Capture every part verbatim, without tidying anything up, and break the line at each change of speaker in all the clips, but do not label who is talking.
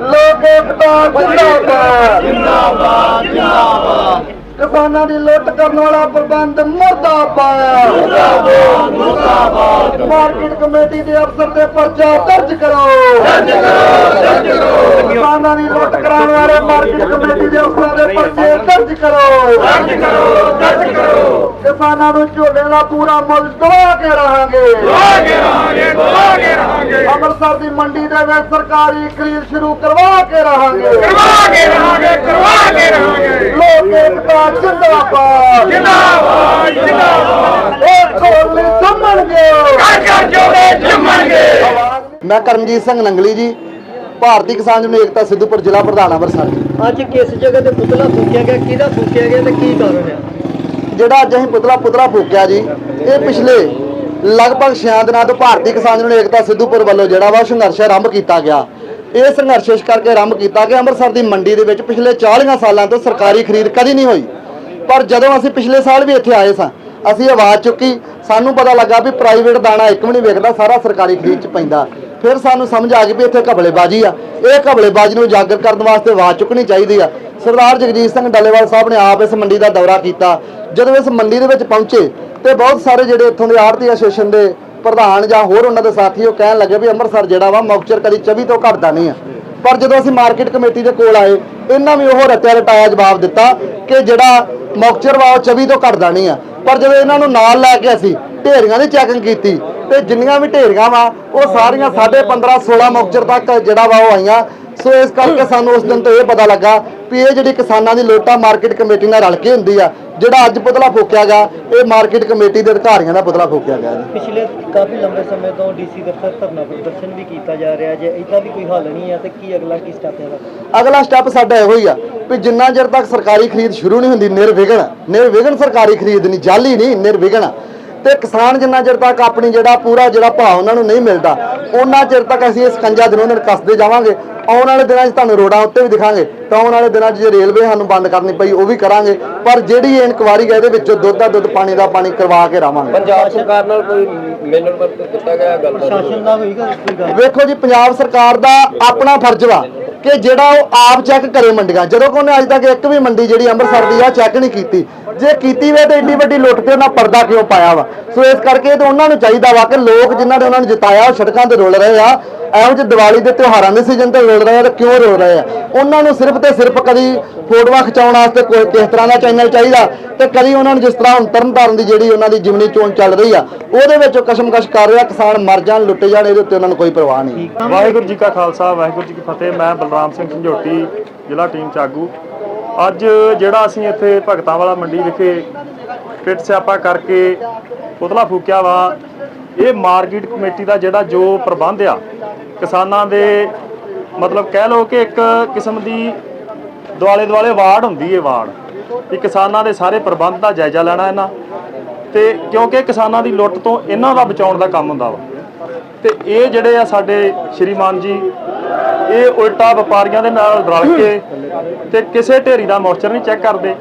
ਲੋਕ ਏਕਤਾ ਜਿੰਦਾਬਾਦ ਜਿੰਦਾਬਾਦ ਜਿੰਦਾਬਾਦ। ਕਿਸਾਨਾਂ ਦੀ ਲੁੱਟ ਕਰਨ ਵਾਲਾ ਪ੍ਰਬੰਧ ਮੁਰਦਾਬਾਦ ਮੁਰਦਾਬਾਦ ਮੁਰਦਾਬਾਦ। ਮਾਰਕੀਟ ਕਮੇਟੀ ਦੇ ਅਫਸਰ ਦੇ ਪਰਚਾ ਦਰਜ ਕਰੋ ਦਰਜ ਕਰੋ ਦਰਜ ਕਰੋ। ਕਿਸਾਨਾਂ ਦੀ ਲੁੱਟ ਕਰਾਉਣ ਵਾਲੇ ਮਾਰਕੀਟ ਕਮੇਟੀ ਦੇ ਅਫਸਰਾਂ ਦੇ ਪਰਚੇ ਦਰਜ ਕਰੋ ਦਰਜ ਕਰੋ ਦਰਜ ਕਰੋ। ਕਿਸਾਨਾਂ ਨੂੰ ਝੋਨੇ ਦਾ ਪੂਰਾ ਮੁੱਲ ਦਵਾ ਕੇ ਰਹਾਂਗੇ ਦਵਾ ਕੇ ਰਹਾਂਗੇ ਦਵਾ ਕੇ ਰਹਾਂਗੇ। ਅੰਮ੍ਰਿਤਸਰ ਦੀ ਮੰਡੀ ਦੇ ਵਿੱਚ ਸਰਕਾਰੀ ਖਰੀਦ ਸ਼ੁਰੂ ਕਰਵਾ ਕੇ ਰਹਾਂਗੇ ਕਰਵਾ ਕੇ ਰਹਾਂਗੇ ਕਰਵਾ ਕੇ ਰਹਾਂਗੇ। ਲੋਕ ਏਕਤਾ ਜਿੰਦਾਬਾਦ ਜਿੰਦਾਬਾਦ ਜਿੰਦਾਬਾਦ। ਇਹ ਕੋਲ ਜੰਮਣਗੇ ਘਰ ਘਰ ਜੋੜੇ ਜੰਮਣਗੇ। ਮੈਂ ਕਰਮਜੀਤ ਸਿੰਘ ਨੰਗਲੀ ਜੀ, ਭਾਰਤੀ ਕਿਸਾਨ ਯੂਨੀਅਨ ਏਕਤਾ ਸਿੱਧੂਪੁਰ ਜ਼ਿਲ੍ਹਾ ਪ੍ਰਧਾਨ ਅੰਮ੍ਰਿਤਸਰ।
ਅੱਜ ਕਿਸ ਜਗ੍ਹਾ ਤੇ ਪੁਤਲਾ ਫੂਕਿਆ ਗਿਆ, ਕਿਹਦਾ ਫੂਕਿਆ ਗਿਆ ਤੇ ਕੀ ਕਾਰਨ ਹੈ?
ਜਿਹੜਾ ਅੱਜ ਅਸੀਂ ਪੁਤਲਾ ਪੁਤਲਾ ਫੂਕਿਆ ਜੀ, ਇਹ ਪਿਛਲੇ ਲਗਭਗ ਛੇ ਦਿਨਾਂ ਤੋਂ ਭਾਰਤੀ ਕਿਸਾਨ ਯੂਨੀਅਨ ਏਕਤਾ ਸਿੱਧੂਪੁਰ ਵੱਲੋਂ ਜਿਹੜਾ ਵਾ ਸੰਘਰਸ਼ ਆਰੰਭ ਕੀਤਾ ਗਿਆ। ਇਹ ਸੰਘਰਸ਼ ਇਸ ਕਰਕੇ ਆਰੰਭ ਕੀਤਾ ਕਿ ਅੰਮ੍ਰਿਤਸਰ ਦੀ ਮੰਡੀ ਦੇ ਵਿੱਚ ਪਿਛਲੇ ਚਾਲੀਆਂ ਸਾਲਾਂ ਤੋਂ ਸਰਕਾਰੀ ਖਰੀਦ ਕਦੀ ਨਹੀਂ ਹੋਈ। ਪਰ ਜਦੋਂ ਅਸੀਂ ਪਿਛਲੇ ਸਾਲ ਵੀ ਇੱਥੇ ਆਏ ਸਾਂ, ਅਸੀਂ ਆਵਾਜ਼ ਚੁੱਕੀ, ਸਾਨੂੰ ਪਤਾ ਲੱਗਾ ਵੀ ਪ੍ਰਾਈਵੇਟ ਦਾਣਾ ਇੱਕ ਵੀ ਨਹੀਂ ਵਿਕਦਾ, ਸਾਰਾ ਸਰਕਾਰੀ ਖਰੀਦ 'ਚ ਪੈਂਦਾ। ਫਿਰ ਸਾਨੂੰ ਸਮਝ ਆ ਗਈ ਵੀ ਇੱਥੇ ਘਬਲੇਬਾਜ਼ੀ ਆ। ਇਹ ਘਬਲੇਬਾਜ਼ੀ ਨੂੰ ਉਜਾਗਰ ਕਰਨ ਵਾਸਤੇ ਆਵਾਜ਼ ਚੁੱਕਣੀ ਚਾਹੀਦੀ ਆ। ਸਰਦਾਰ ਜਗਜੀਤ ਸਿੰਘ ਡੱਲੇਵਾਲ ਸਾਹਿਬ ਨੇ ਆਪ ਇਸ ਮੰਡੀ ਦਾ ਦੌਰਾ ਕੀਤਾ। ਜਦੋਂ ਇਸ ਮੰਡੀ ਦੇ ਵਿੱਚ ਪਹੁੰਚੇ ਤੇ ਬਹੁਤ ਸਾਰੇ ਜਿਹੜੇ ਇੱਥੋਂ ਦੇ ਆੜ੍ਹਤੀ ਐਸੋਸੀਏਸ਼ਨ ਦੇ ਪ੍ਰਧਾਨ ਜਾਂ ਹੋਰ ਉਹਨਾਂ ਦੇ ਸਾਥੀ ਉਹ ਕਹਿਣ ਲੱਗੇ ਵੀ ਅੰਮ੍ਰਿਤਸਰ ਜਿਹੜਾ ਵਾ ਮੌਕਚਰ ਕਦੀ ਚੌਵੀ ਤੋਂ ਘਟਦਾ ਨਹੀਂ ਆ। ਪਰ ਜਦੋਂ ਅਸੀਂ ਮਾਰਕੀਟ ਕਮੇਟੀ ਦੇ ਕੋਲ ਆਏ, ਇਹਨਾਂ ਵੀ ਉਹ ਰਟਿਆ ਰਟਾਇਆ ਜਵਾਬ ਦਿੱਤਾ ਕਿ ਜਿਹੜਾ ਮੌਕਚਰ ਵਾ ਉਹ ਚੌਵੀ ਤੋਂ ਘਟਦਾ ਨਹੀਂ ਆ। ਪਰ ਜਦੋਂ ਇਹਨਾਂ ਨੂੰ ਨਾਲ ਲੈ ਕੇ ਅਸੀਂ ਢੇਰੀਆਂ ਦੀ ਚੈਕਿੰਗ ਕੀਤੀ ਤੇ ਜਿੰਨੀਆਂ ਵੀ ਢੇਰੀਆਂ ਵਾ ਉਹ ਸਾਰੀਆਂ ਸਾਢੇ ਪੰਦਰਾਂ ਸੋਲਾਂ ਮੌਕਚਰ ਤੱਕ ਜਿਹੜਾ ਵਾ ਉਹ ਆਈਆਂ। ਸੋ ਇਸ ਕਰਕੇ ਸਾਨੂੰ ਉਸ ਦਿਨ ਤੋਂ ਇਹ ਪਤਾ ਲੱਗਾ ਵੀ ਇਹ ਜਿਹੜੀ ਕਿਸਾਨਾਂ ਦੀ ਲੋਟਾ ਮਾਰਕੀਟ ਕਮੇਟੀ ਨਾਲ ਰਲ ਕੇ ਹੁੰਦੀ ਆ। ਜਿਹੜਾ ਅੱਜ ਪੁਤਲਾ ਫੂਕਿਆ ਗਿਆ, ਇਹ ਮਾਰਕੀਟ ਕਮੇਟੀ ਦੇ ਅਧਿਕਾਰੀਆਂ ਦਾ ਪੁਤਲਾ ਫੂਕਿਆ ਗਿਆ।
ਪਿਛਲੇ ਕਾਫੀ ਲੰਬੇ ਸਮੇਂ ਤੋਂ ਡੀਸੀ ਦਫ਼ਤਰ ਧਰਨਾ ਪ੍ਰਦਰਸ਼ਨ ਵੀ ਕੀਤਾ ਜਾ ਰਿਹਾ। ਜੇ ਇਹਦਾ ਵੀ ਕੋਈ ਹੱਲ ਨਹੀਂ ਹੈ ਤੇ ਕੀ ਅਗਲਾ ਕੀ ਸਟੈਪ ਹੈ?
ਅਗਲਾ ਸਟੈਪ ਸਾਡਾ ਇਹੋ ਹੀ ਆ ਵੀ ਜਿੰਨਾ ਚਿਰ ਤੱਕ ਸਰਕਾਰੀ ਖਰੀਦ ਸ਼ੁਰੂ ਨਹੀਂ ਹੁੰਦੀ, ਨਿਰਵਿਘਨ ਨਿਰਵਿਘਨ ਸਰਕਾਰੀ ਖਰੀਦ ਨਹੀਂ, ਜਾਲੀ ਨਹੀਂ, ਨਿਰਵਿਘਨ ਤੇ ਕਿਸਾਨ ਜਿੰਨਾ ਚਿਰ ਤੱਕ ਆਪਣੀ ਜਿਹੜਾ ਪੂਰਾ ਜਿਹੜਾ ਭਾਅ ਉਹਨਾਂ ਨੂੰ ਨਹੀਂ ਮਿਲਦਾ, ਉਹਨਾਂ ਚਿਰ ਤੱਕ ਅਸੀਂ ਇਸ ਸਕੰਜਾ ਦਿਨੋਂ ਦਿਨ ਕੱਸਦੇ ਜਾਵਾਂਗੇ। ਆਉਣ ਵਾਲੇ ਦਿਨਾਂ 'ਚ ਤੁਹਾਨੂੰ ਰੋਡਾਂ ਉੱਤੇ ਵੀ ਦਿਖਾਂਗੇ ਤਾਂ ਆਉਣ ਵਾਲੇ ਦਿਨਾਂ 'ਚ ਜੇ ਰੇਲਵੇ ਸਾਨੂੰ ਬੰਦ ਕਰਨੀ ਪਈ ਉਹ ਵੀ ਕਰਾਂਗੇ। ਪਰ ਜਿਹੜੀ ਇਹ ਇਨਕੁਆਰੀ ਹੈ ਇਹਦੇ ਵਿੱਚੋਂ ਦੁੱਧ ਦਾ ਦੁੱਧ ਪਾਣੀ ਦਾ ਪਾਣੀ ਕਰਵਾ ਕੇ ਰਹਾਂਗੇ।
ਪੰਜਾਬ ਸਰਕਾਰ ਨਾਲ ਕੋਈ ਮਿਲਣ ਵਰਤੋਂ ਦਿੱਤਾ ਗਿਆ ਗੱਲ
ਪ੍ਰਸ਼ਾਸਨ ਦਾ ਹੋਏਗਾ ਕੋਈ ਗੱਲ?
ਵੇਖੋ ਜੀ, ਪੰਜਾਬ ਸਰਕਾਰ ਦਾ ਆਪਣਾ ਫਰਜ਼ ਵਾ ਕਿ ਜਿਹੜਾ ਉਹ ਆਪ ਚੈੱਕ ਕਰੇ ਮੰਡੀਆਂ। ਜਦੋਂ ਕਿ ਉਹਨੇ ਅੱਜ ਤੱਕ ਇੱਕ ਵੀ ਮੰਡੀ ਜਿਹੜੀ ਅੰਮ੍ਰਿਤਸਰ ਦੀ ਆ ਚੈੱਕ ਨਹੀਂ ਕੀਤੀ। ਜੇ ਕੀਤੀ ਵੇ ਤਾਂ ਏਡੀ ਵੱਡੀ ਲੁੱਟ ਤੇ ਉਹਨਾਂ ਪਰਦਾ ਕਿਉਂ ਪਾਇਆ ਵਾ? ਸੋ ਇਸ ਕਰਕੇ ਤੇ ਉਹਨਾਂ ਨੂੰ ਚਾਹੀਦਾ ਵਾ ਕਿ ਲੋਕ ਜਿਨ੍ਹਾਂ ਨੇ ਉਹਨਾਂ ਨੂੰ ਜਿਤਾਇਆ ਉਹ ਸੜਕਾਂ ਤੇ ਰੁਲ ਰਹੇ ਆ, ਇਹੋ ਜਿਹੇ ਦੀਵਾਲੀ ਦੇ ਤਿਉਹਾਰਾਂ ਦੇ ਸੀਜ਼ਨ ਤੇ ਰੁਲ ਰਹੇ ਆ, ਤੇ ਕਿਉਂ ਰੁਲ ਰਹੇ ਆ? ਉਹਨਾਂ ਨੂੰ ਸਿਰਫ ਤੇ ਸਿਰਫ ਕਦੀ ਫੋਟੋਆਂ ਖਿਚਾਉਣ ਵਾਸਤੇ ਕੋਈ ਕਿਸ ਤਰ੍ਹਾਂ ਦਾ ਚੈਨਲ ਚਾਹੀਦਾ ਤੇ ਕਦੀ ਉਹਨਾਂ ਨੂੰ ਜਿਸ ਤਰ੍ਹਾਂ ਹੁਣ ਤਰਨਤਾਰਨ ਦੀ ਜਿਹੜੀ ਉਹਨਾਂ ਦੀ ਜਿਮਨੀ ਚੋਣ ਚੱਲ ਰਹੀ ਆ ਉਹਦੇ ਵਿੱਚ ਕਸ਼ਮਕਸ਼ ਕਰ ਰਿਹਾ, ਕਿਸਾਨ ਮਰ ਜਾਣ ਲੁੱਟੇ ਜਾਣ, ਇਹਦੇ ਉੱਤੇ ਉਹਨਾਂ ਨੂੰ ਕੋਈ ਪਰਵਾਹ ਨਹੀਂ।
ਵਾਹਿਗੁਰੂ ਜੀ ਕਾ ਖਾਲਸਾ ਵਾਹਿਗੁਰੂ ਜੀ ਕੀ ਫਤਿਹ। ਮੈਂ ਬਲਰਾਮ ਸਿੰਘ ਝੰਜੋਟੀ, ਜ਼ਿਲ੍ਹਾ ਟੀਮ ਚਾਗੂ। ਅੱਜ ਜਿਹੜਾ ਅਸੀਂ ਇੱਥੇ ਭਗਤਾਂ ਵਾਲਾ ਮੰਡੀ ਵਿਖੇ ਪਿੱਟ ਸਿਆਪਾ ਕਰਕੇ ਪੁਤਲਾ ਫੂਕਿਆ ਵਾ, ਇਹ ਮਾਰਕੀਟ ਕਮੇਟੀ ਦਾ ਜਿਹੜਾ ਜੋ ਪ੍ਰਬੰਧ ਆ ਕਿਸਾਨਾਂ ਦੇ, ਮਤਲਬ ਕਹਿ ਲਓ ਕਿ ਇੱਕ ਕਿਸਮ ਦੀ ਦੁਆਲੇ ਦੁਆਲੇ ਵਾਰਡ ਹੁੰਦੀ ਹੈ, ਵਾਰਡ ਵੀ ਕਿਸਾਨਾਂ ਦੇ ਸਾਰੇ ਪ੍ਰਬੰਧ ਦਾ ਜਾਇਜ਼ਾ ਲੈਣਾ ਇਹਨਾਂ ਤੇ, ਕਿਉਂਕਿ ਕਿਸਾਨਾਂ ਦੀ ਲੁੱਟ ਤੋਂ ਇਹਨਾਂ ਦਾ ਬਚਾਉਣ ਦਾ ਕੰਮ ਹੁੰਦਾ ਵਾ। ਤੇ ਇਹ ਜਿਹੜੇ ਆ ਸਾਡੇ ਸ਼੍ਰੀਮਾਨ ਜੀ, ਇਹ ਉਲਟਾ ਵਪਾਰੀਆਂ ਦੇ ਨਾਲ ਰਲ ਕੇ ਤੇ ਕਿਸੇ ਢੇਰੀ ਦਾ ਮੋਰਚਰ ਨਹੀਂ ਚੈੱਕ ਕਰਦੇ।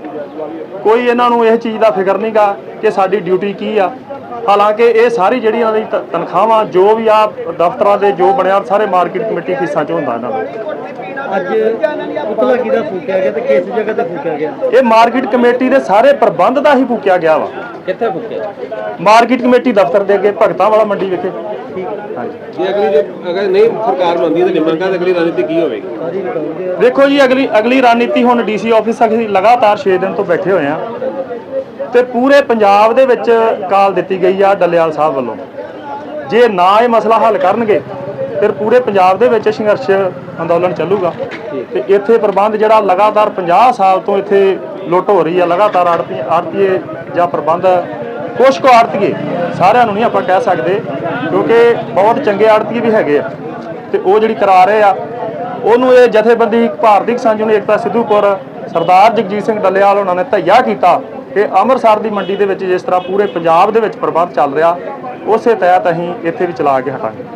ਕੋਈ ਇਹਨਾਂ ਨੂੰ ਇਹ ਚੀਜ਼ ਦਾ ਫਿਕਰ ਨਹੀਂਗਾ ਕਿ ਸਾਡੀ ਡਿਊਟੀ ਕੀ ਆ। ਹਾਲਾਂਕਿ ਇਹ ਸਾਰੀ ਜਿਹੜੀ ਇਹਨਾਂ ਦੀ ਤਨਖਾਹਾਂ ਜੋ ਵੀ ਆ ਦਫ਼ਤਰਾਂ ਦੇ ਜੋ ਬਣਿਆ ਸਾਰੇ ਮਾਰਕੀਟ ਕਮੇਟੀ ਫੀਸਾਂ 'ਚ ਹੁੰਦਾ ਇਹਨਾਂ ਨੂੰ।
ਅੱਜ ਪੁਤਲਾ ਕਿਹਦਾ ਫੂਕਿਆ ਗਿਆ ਤੇ ਕਿਸ ਜਗ੍ਹਾ ਤੇ ਫੂਕਿਆ ਗਿਆ?
ਇਹ ਮਾਰਕੀਟ ਕਮੇਟੀ ਦੇ ਸਾਰੇ ਪ੍ਰਬੰਧ ਦਾ ਹੀ ਫੂਕਿਆ ਗਿਆ ਵਾ।
ਕਿੱਥੇ ਫੂਕਿਆ?
ਮਾਰਕੀਟ ਕਮੇਟੀ ਦਫ਼ਤਰ ਦੇ ਅੱਗੇ ਭਗਤਾਂ ਵਾਲਾ ਮੰਡੀ ਵਿਖੇ।
ਹਾਂਜੀ, ਜੇ ਅਗਲੀ ਜੇ ਅਗਰ ਨਹੀਂ ਸਰਕਾਰ ਬਣਦੀ ਤਾਂ ਨਿਮਰਤਾ ਦੀ ਅਗਲੀ ਰਣਨੀਤੀ ਕੀ ਹੋਵੇਗੀ?
ਦੇਖੋ ਜੀ, ਅਗਲੀ ਅਗਲੀ ਰਣਨੀਤੀ ਹੁਣ ਡੀਸੀ ਆਫਿਸ ਅਸੀਂ ਲਗਾਤਾਰ ਛੇ ਦਿਨ ਤੋਂ ਬੈਠੇ ਹੋਏ ਆ ਤੇ ਪੂਰੇ ਪੰਜਾਬ ਦੇ ਵਿੱਚ ਕਾਲ ਦਿੱਤੀ ਗਈ ਆ ਡੱਲੇਵਾਲ ਸਾਹਿਬ ਵੱਲੋਂ। ਜੇ ਨਾ ਇਹ ਮਸਲਾ ਹੱਲ ਕਰਨਗੇ ਫਿਰ ਪੂਰੇ ਪੰਜਾਬ ਦੇ ਵਿੱਚ ਸੰਘਰਸ਼ ਅੰਦੋਲਨ ਚੱਲੂਗਾ। ਤੇ ਇੱਥੇ ਪ੍ਰਬੰਧ ਜਿਹੜਾ ਲਗਾਤਾਰ ਪੰਜਾਹ ਸਾਲ ਤੋਂ ਇੱਥੇ ਲੁੱਟ ਹੋ ਰਹੀ ਆ, ਲਗਾਤਾਰ ਆੜਤੀ ਆੜਤੀਏ ਜਾਂ ਪ੍ਰਬੰਧ ਕੁਛ ਕੁ ਆੜਤੀਏ, ਸਾਰਿਆਂ ਨੂੰ ਨਹੀਂ ਆਪਾਂ ਕਹਿ ਸਕਦੇ ਕਿਉਂਕਿ ਬਹੁਤ ਚੰਗੇ ਆੜਤੀਏ ਵੀ ਹੈਗੇ ਆ ਤੇ ਉਹ ਜਿਹੜੀ ਕਰਾ ਰਹੇ ਆ ਉਹਨੂੰ ਇਹ ਜਥੇਬੰਦੀ ਭਾਰਤੀ ਕਿਸਾਨ ਯੂਨੀਅਨ ਏਕਤਾ ਸਿੱਧੂਪੁਰ ਸਰਦਾਰ ਜਗਜੀਤ ਸਿੰਘ ਡੱਲੇਵਾਲ ਉਹਨਾਂ ਨੇ ਧੱਈਆ ਕੀਤਾ ਕਿ ਅੰਮ੍ਰਿਤਸਰ ਦੀ ਮੰਡੀ ਦੇ ਵਿੱਚ ਜਿਸ ਤਰ੍ਹਾਂ ਪੂਰੇ ਪੰਜਾਬ ਦੇ ਵਿੱਚ ਪ੍ਰਬੰਧ ਚੱਲ ਰਿਹਾ ਉਸੇ ਤਹਿਤ ਅਸੀਂ ਇੱਥੇ ਵੀ ਚਲਾ ਕੇ ਹਟਾਂਗੇ।